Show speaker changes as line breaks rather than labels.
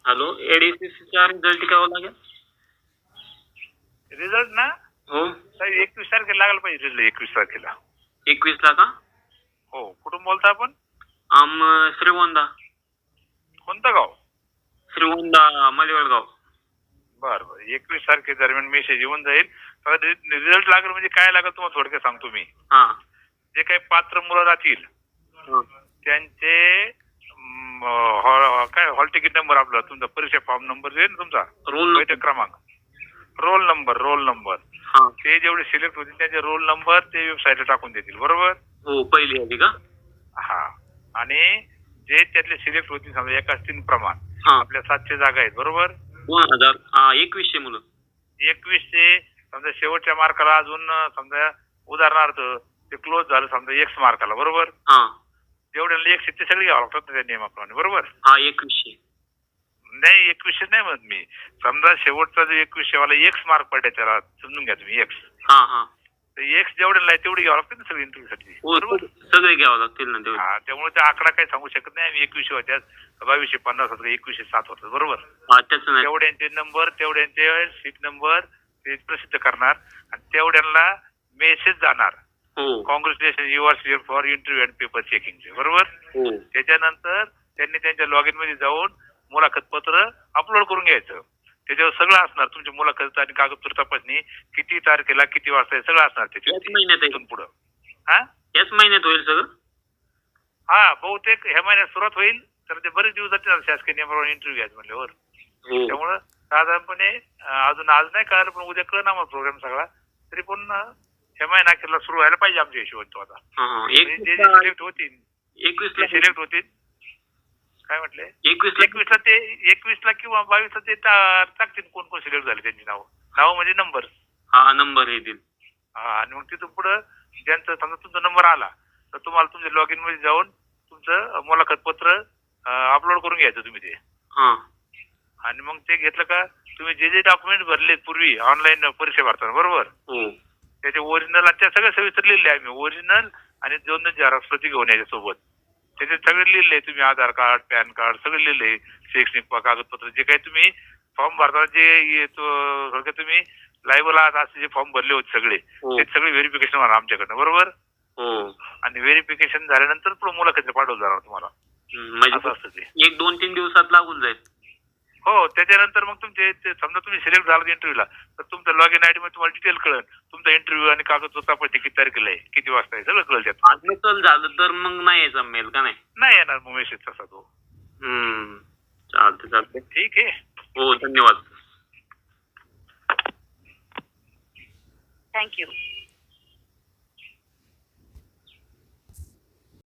Hello, एडीसीसीचा result केव्हा लागेल?
Result ना
हो,
साहेब 21 तारखेला लागला पाहिजे. रिझल्ट 21 तारखेला.
21 ला का?
हो. कुठून बोलता आपण?
श्रीगोंदा.
कोणतं गाव?
श्रीगोंदा मलिवडगाव.
बरं बरं. 21 तारखेदरम्यान मेसेज येऊन जाईल. रिझल्ट लागेल म्हणजे काय लागेल तुम्हाला थोडक्यात सांगतो मी.
हा.
जे काही पात्र मुलं राहतील
हा.
त्यांचे काय हॉल तिकीट नंबर आपला तुमचा परीक्षा फॉर्म नंबर येईल ना तुमचा
रोल
बैठक क्रमांक रोल नंबर
हा.
ते जेवढे सिलेक्ट होतील त्यांचे रोल नंबर ते वेबसाईटला टाकून देतील. बरोबर?
हो, पहिली आधी का?
हा. आणि जे त्यातले सिलेक्ट होतील समजा एका 3 प्रमाण
हा.
आपल्या 700 जागा आहेत. बरोबर?
2100 मुलं.
2100 समजा शेवटच्या मार्काला अजून समजा उदाहरणार्थ ते क्लोज झालं समजा एक्स मार्काला. बरोबर?
हा.
जेवढे एक्स ते सगळे घ्यावं लागतात त्या नियमाप्रमाणे. बरोबर?
हा, 2100.
नाही 2100 नाही म्हणत मी. समजा शेवटचा जो 2100 वाला एक्स मार्क पडला त्याला समजून घ्या तुम्ही एक्स.
हा हा.
तर एक्स जेवढे आहे तेवढे घ्यावं लागतं ना सगळे इंटरव्ह्यू साठी. बरोबर?
सगळे घ्यावं लागतील ना तेवढे.
हा. त्यामुळे ते आकडा काही सांगू शकत नाही. आम्ही 2100 होत्या 2250 होतं 2107 होतं. बरोबर?
हा, त्याच नाही.
तेवढ्यांचे नंबर तेवढ्यांचे सीट नंबर ते प्रसिद्ध करणार आणि तेवढ्यांना मेसेज जाणार.
हो.
Congratulation you are select for interview and paper चेकिंगचे. बरोबर?
हो.
त्याच्यानंतर त्यांनी त्यांच्या लॉगिन मध्ये जाऊन मुलाखत पत्र अपलोड करून घ्यायचं. त्याच्यावर सगळं असणार तुमची मुलाखत आणि कागदपत्र तपासणी किती तारखेला किती वाजता सगळं असणार
याच महिन्यात
त्याच्यातून पुढं. हा.
याच महिन्यात होईल सगळं.
हा. बहुतेक ह्या महिन्यात सुरुवात होईल तर ते बरेच दिवस जातील शासकीय नियमाप्रमाणे इंटरव्ह्यू घ्यायचं म्हणल्यावर.
हो.
त्यामुळं साधारणपणे अजून आज नाही कळलं पण उद्या कळणार आम्हाला प्रोग्राम सगळा. तरी पण ह्या महिना अखेरला सुरू व्हायला पाहिजे आमच्या हिशोबाने तो आता. जे सिलेक्ट होतील
21
सिलेक्ट होतील. काय म्हटले?
21
ला किंवा 22 ला ते टाकतील कोण कोण सिलेक्ट झाले त्यांची नाव म्हणजे नंबर.
हा, नंबर येतील.
हा. आणि मग तिथून पुढं ज्यांचा समजा तुमचा नंबर आला तर तुम्हाला तुमच्या लॉगिन मध्ये जाऊन तुमचं मुलाखत पत्र अपलोड करून घ्यायचं तुम्ही ते.
हा.
आणि मग ते घेतलं का तुम्ही जे डॉक्युमेंट भरले पूर्वी ऑनलाईन परीक्षा भरताना. बरोबर?
हो.
त्याचे ओरिजिनल त्या सगळ्या सविस्तर लिहिले आहे आम्ही. ओरिजिनल आणि 2 झेरॉक्स प्रती घेऊन याच्या सोबत. त्याचे सगळे लिहिले तुम्ही आधार कार्ड पॅन कार्ड सगळे लिहिले शैक्षणिक कागदपत्र जे काही तुम्ही फॉर्म भरताना जे तुम्ही लायबल आहात असे जे फॉर्म भरले होते सगळे ते सगळे व्हेरिफिकेशन होणार आमच्याकडनं. बरोबर?
हो.
आणि व्हेरिफिकेशन झाल्यानंतर पुढे मुलाखत पाठवलं जाणार तुम्हाला.
म्हणजे
असं ते
1-2-3 दिवसात लागून जाईल.
हो. त्याच्यानंतर मग तुमचे समजा तुम्ही सिलेक्ट झाला इंटरव्ह्यूला तर तुमचा लॉगिन आयडी मध्ये तुम्हाला डिटेल कळेल. तुमचा इंटरव्ह्यू आणि कागदपत्र तपासणी किती तारखेला आहे किती वाजता आहे सगळं कळेल त्यात.
आज नसल झालं तर मग नाही यायचा मेल का नाही?
नाही येणार मग मेसेज तसा तो.
चालते.
ठीक आहे.
हो, धन्यवाद.
थँक्यू.